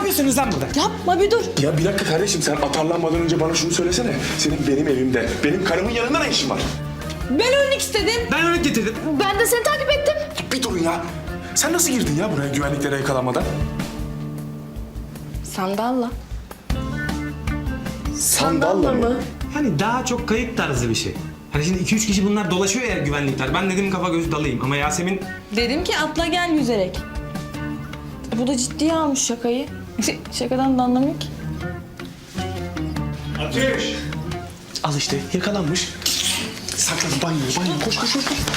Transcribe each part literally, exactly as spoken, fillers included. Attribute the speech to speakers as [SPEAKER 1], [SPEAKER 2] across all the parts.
[SPEAKER 1] yapıyorsunuz lan burada?
[SPEAKER 2] Yapma bir dur.
[SPEAKER 3] Ya bir dakika kardeşim, sen atarlanmadan önce bana şunu söylesene. Senin benim evimde, benim karımın yanında ne işin var?
[SPEAKER 2] Ben örnek istedim.
[SPEAKER 1] Ben örnek getirdim.
[SPEAKER 2] Ben de seni takip ettim.
[SPEAKER 3] Bir durun ya. Sen nasıl girdin ya buraya güvenliklere yakalanmadan?
[SPEAKER 2] Sandalla.
[SPEAKER 3] Sandalla mı?
[SPEAKER 1] Hani daha çok kayık tarzı bir şey. Hani şimdi iki üç kişi bunlar dolaşıyor ya güvenlikler. Ben dedim kafa göz dalayım ama Yasemin...
[SPEAKER 2] Dedim ki atla gel yüzerek. Bu da ciddiye almış şakayı. Şakadan da anlamıyor ki.
[SPEAKER 3] Ateş! Al işte, yakalanmış. Saklan, banyo, banyo. Koş, koş, koş. koş.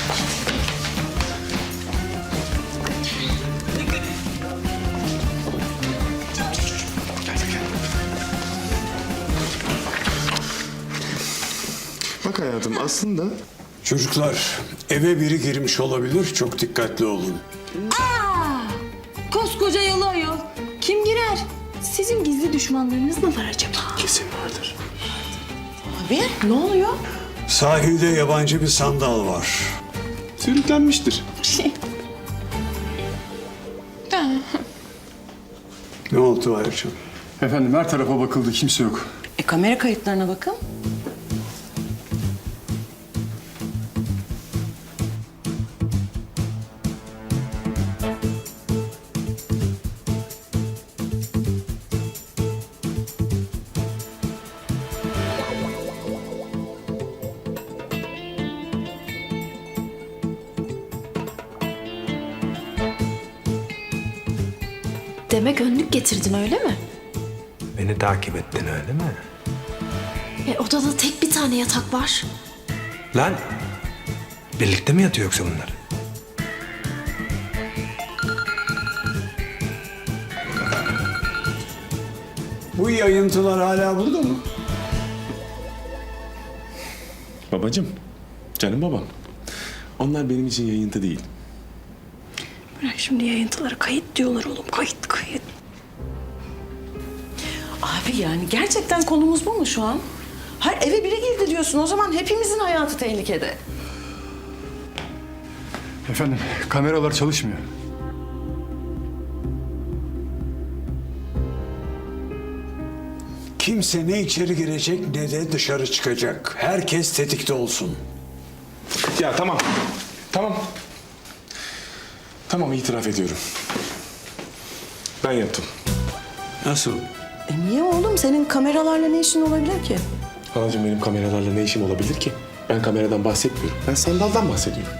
[SPEAKER 3] Gel, gel, gel. Bak hayatım, aslında...
[SPEAKER 4] Çocuklar, eve biri girmiş olabilir. Çok dikkatli olun.
[SPEAKER 2] Koskoca yalı ayol. Kim girer? Sizin gizli düşmanlarınız mı var acaba?
[SPEAKER 3] Kesin vardır.
[SPEAKER 2] Abi ne oluyor?
[SPEAKER 4] Sahilde yabancı bir sandal var.
[SPEAKER 3] Sürüklenmiştir.
[SPEAKER 4] Ne oldu Ayrıcığım?
[SPEAKER 5] Efendim her tarafa bakıldı, kimse yok.
[SPEAKER 6] E kamera kayıtlarına bakın.
[SPEAKER 7] Demek önlük getirdin öyle mi?
[SPEAKER 1] Beni takip ettin öyle mi?
[SPEAKER 7] E odada tek bir tane yatak var.
[SPEAKER 1] Lan birlikte mi yatıyor yoksa bunlar?
[SPEAKER 4] Bu yayıntılar hala burada mı?
[SPEAKER 3] Babacığım, canım babam. Onlar benim için yayıntı değil.
[SPEAKER 7] Bırak şimdi yayıntıları, kayıt diyorlar oğlum, kayıt kayıt.
[SPEAKER 6] Abi yani gerçekten konumuz bu mu şu an? Hayır eve biri girdi diyorsun, o zaman hepimizin hayatı tehlikede.
[SPEAKER 5] Efendim kameralar çalışmıyor.
[SPEAKER 4] Kimse ne içeri girecek ne de dışarı çıkacak. Herkes tetikte olsun.
[SPEAKER 3] Ya tamam, tamam. Tamam, itiraf ediyorum. Ben yaptım.
[SPEAKER 4] Nasıl?
[SPEAKER 6] E niye oğlum? Senin kameralarla ne işin olabilir ki?
[SPEAKER 3] Halacığım, benim kameralarla ne işim olabilir ki? Ben kameradan bahsetmiyorum. Ben sandaldan bahsediyorum.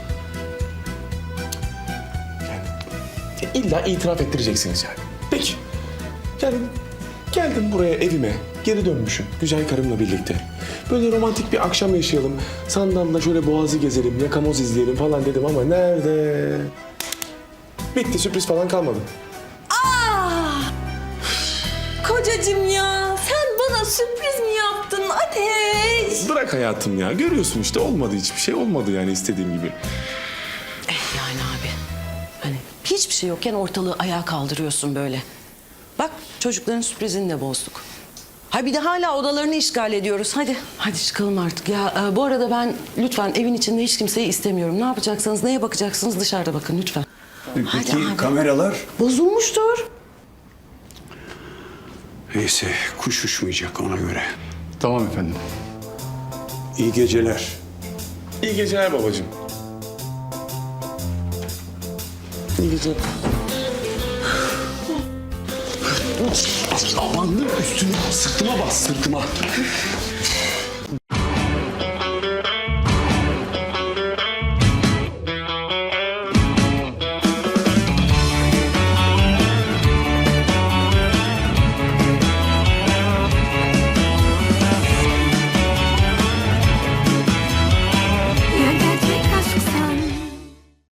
[SPEAKER 3] Yani ya illa itiraf ettireceksiniz yani. Peki. Yani geldim buraya evime, geri dönmüşüm güzel karımla birlikte. Böyle romantik bir akşam yaşayalım. Sandalla şöyle boğazı gezelim, yakamoz izleyelim falan dedim ama nerede? Bitti, sürpriz falan kalmadı.
[SPEAKER 2] Kocacığım ya sen bana sürpriz mi yaptın Ateş?
[SPEAKER 3] Bırak hayatım ya. Görüyorsun işte, olmadı, hiçbir şey olmadı yani istediğim gibi.
[SPEAKER 6] Eh yani abi. Hani hiçbir şey yokken ortalığı ayağa kaldırıyorsun böyle. Bak çocukların sürprizini de bozduk. Ha bir de hala odalarını işgal ediyoruz. Hadi, hadi çıkalım artık. Ya e, bu arada ben lütfen evin içinde hiç kimseyi istemiyorum. Ne yapacaksanız, neye bakacaksınız dışarıda bakın lütfen.
[SPEAKER 4] Peki
[SPEAKER 6] Hadi abi.
[SPEAKER 4] kameralar?
[SPEAKER 6] Bozulmuştur.
[SPEAKER 4] Neyse kuş uçmayacak ona göre.
[SPEAKER 5] Tamam efendim.
[SPEAKER 4] İyi geceler.
[SPEAKER 3] İyi geceler babacığım. İyi geceler. Aman üstüne, sırtıma bas, sırtıma.